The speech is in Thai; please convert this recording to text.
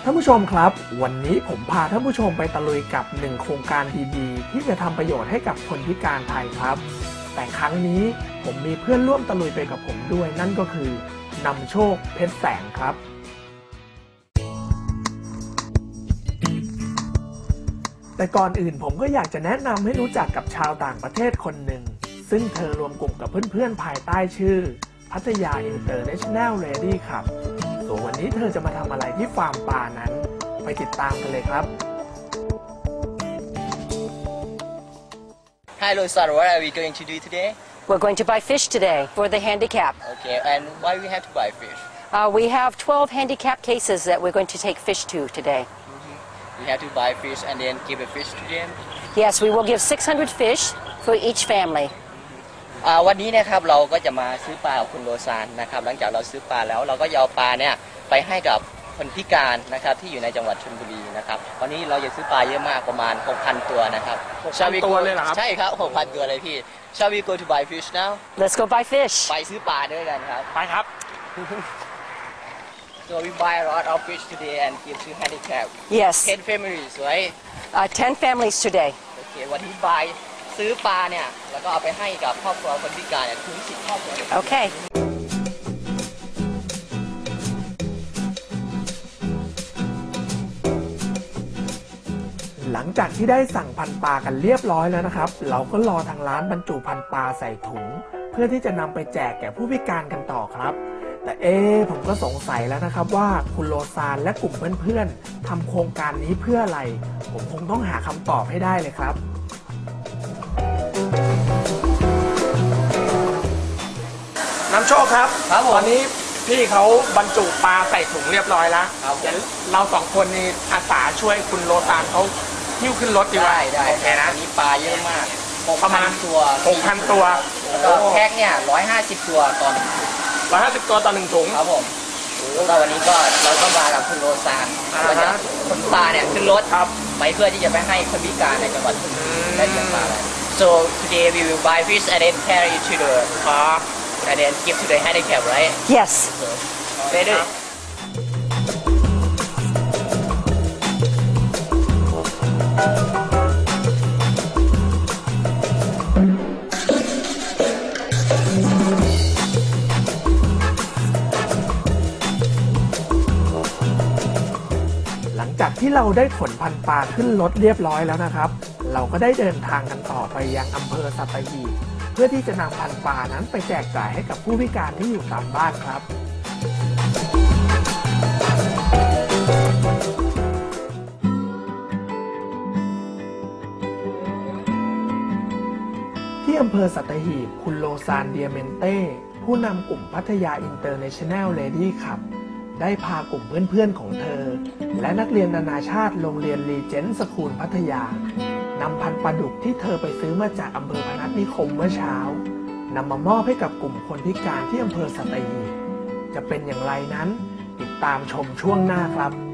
านผู้ชมครับวันนี้ผมพาท่านผู้ชมไปตะลุยกับ1โครงการดีๆที่จะทำประโยชน์ให้กับคนพิการไทยครับแต่ครั้งนี้ผมมีเพื่อนร่วมตะลุยไปกับผมด้วยนั่นก็คือนำโชคเพชรแสงครับแต่ก่อนอื่นผมก็อยากจะแนะนำให้รู้จักกับชาวต่างประเทศคนหนึ่งซึ่งเธอรวมกลุ่มกับเพื่อนๆภายใต้ชื่อพัทยา International Lady ครับส่วนวันนี้เธอจะมาทำอะไรที่ฟาร์มปลานั้นไปติดตามกันเลยครับ Hi Losan, what are we going to do today? We're going to buy fish today for the handicap. Okay, and why we have to buy fish? We have 12 handicap cases that we're going to take fish to today. We have to buy fish and then give a fish to them. Yes, we will give 600 fish for each family. วันนี้นะครับเราก็จะมาซื้อปลากับคุณโลซานนะครับหลังจากเราซื้อปลาแล้วเราก็เอาปลาเนี่ยไปให้กับคนพิการนะครับที่อยู่ในจังหวัดชลบุรีนะครับวันนี้เราจะซื้อปลาเยอะมากประมาณ 6,000 ตัวนะครับ 6,000 ตัวเลยเหรอครับใช่ครับ 6,000 ตัวเลยพี่ Shall we go to buy fish now? Let's go buy fish. ไปซื้อปลาด้วยกันครับไปครับ So we buy a lot of fish today and give to handicap. Yes. 10 families, right? 10 families today. Okay, วันที่ buy ซื้อปลาเนี่ยแล้วก็เอาไปให้กับครอบครัวคนพิการเนี่ยถึง10 ครอบครัว Okay. หลังจากที่ได้สั่งพันปลากันเรียบร้อยแล้วนะครับเราก็รอทางร้านบรรจุพันปลาใส่ถุงเพื่อที่จะนำไปแจกแก่ผู้พิการกันต่อครับแต่ผมก็สงสัยแล้วนะครับว่าคุณโลซานและกลุ่มเพื่อนๆทำโครงการนี้เพื่ออะไรผมคงต้องหาคำตอบให้ได้เลยครับน้ำโชคครับตอนนี้พี่เขาบรรจุปลาใส่ถุงเรียบร้อยแล้วเดี๋ยวเราสองคนนี่อาสาช่วยคุณโลซานเขาหิ้วขึ้นรถดีกว่าได้โอเคนะอันนี้ปลาเยอะมากประมาณตัว 6,000 ตัวแล้วก็แพ็คเนี่ย150 ตัวตอน 150 ตัวต่อ1ถุงครับผมแล้ววันนี้ก็เราก็มากับคุณโลซานเราจะคนปลาเนี่ยขึ้นรถไปเพื่อที่จะไปให้คนพิการในจังหวัดได้เลี้ยงปลาอะไร So today we will buy fish and then carry to the car and then give to the handicap, right? Yes. Ready? หลังจากที่เราได้ขนพันปลาขึ้นรถเรียบร้อยแล้วนะครับเราก็ได้เดินทางกันต่อไปยังอำเภอสัตหีบเพื่อที่จะนำพันปลานั้นไปแจกจ่ายให้กับผู้พิการที่อยู่ตามบ้านครับที่อำเภอสัตหีบคุณโลซานเดียเมนเต้ผู้นำกลุ่มพัทยา International Lady ครับได้พากลุ่มเพื่อนๆของเธอและนักเรียนนานาชาติโรงเรียนรีเจนต์สคูลพัทยานำพันธุ์ปลาดุกที่เธอไปซื้อมาจากอำเภอพนัสนิคมเมื่อเช้านำมามอบให้กับกลุ่มคนพิการที่อำเภอสัตหีบจะเป็นอย่างไรนั้นติดตามชมช่วงหน้าครับ